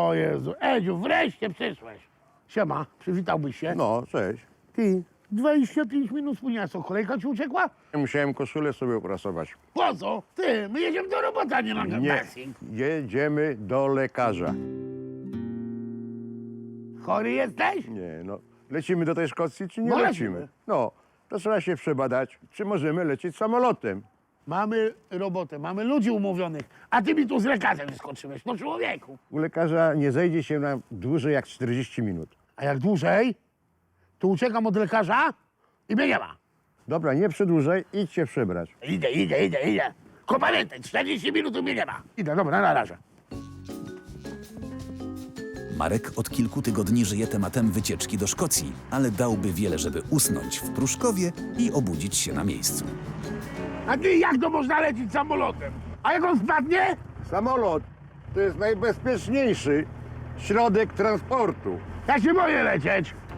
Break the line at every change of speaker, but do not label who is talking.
O Jezu, Edziu, wreszcie przyszłeś. Siema, przywitałbyś się.
No, cześć.
Ty, 25 minut spóźnienia, co, kolejka ci uciekła?
Musiałem koszulę sobie uprasować.
Po co? Ty, my jedziemy do roboty, a nie na
Nie,
casting.
jedziemy do lekarza.
Chory jesteś?
Nie, no. Lecimy do tej Szkocji, czy nie
No,
lecimy?
lecimy.
No, to trzeba się przebadać, czy możemy lecieć samolotem.
Mamy robotę, mamy ludzi umówionych, a ty mi tu z lekarzem wyskoczyłeś, no człowieku.
U lekarza nie zejdzie się na dłużej jak 40 minut.
A jak dłużej, to uciekam od lekarza i mnie nie ma.
Dobra, nie przedłużaj, idź się przebrać.
Idę. Tylko pamiętaj, 40 minut i mnie nie ma. Idę, dobra, na razie.
Marek od kilku tygodni żyje tematem wycieczki do Szkocji, ale dałby wiele, żeby usnąć w Pruszkowie i obudzić się na miejscu.
A ty jak to można lecieć samolotem? A jak on spadnie?
Samolot to jest najbezpieczniejszy środek transportu.
Ja się boję lecieć.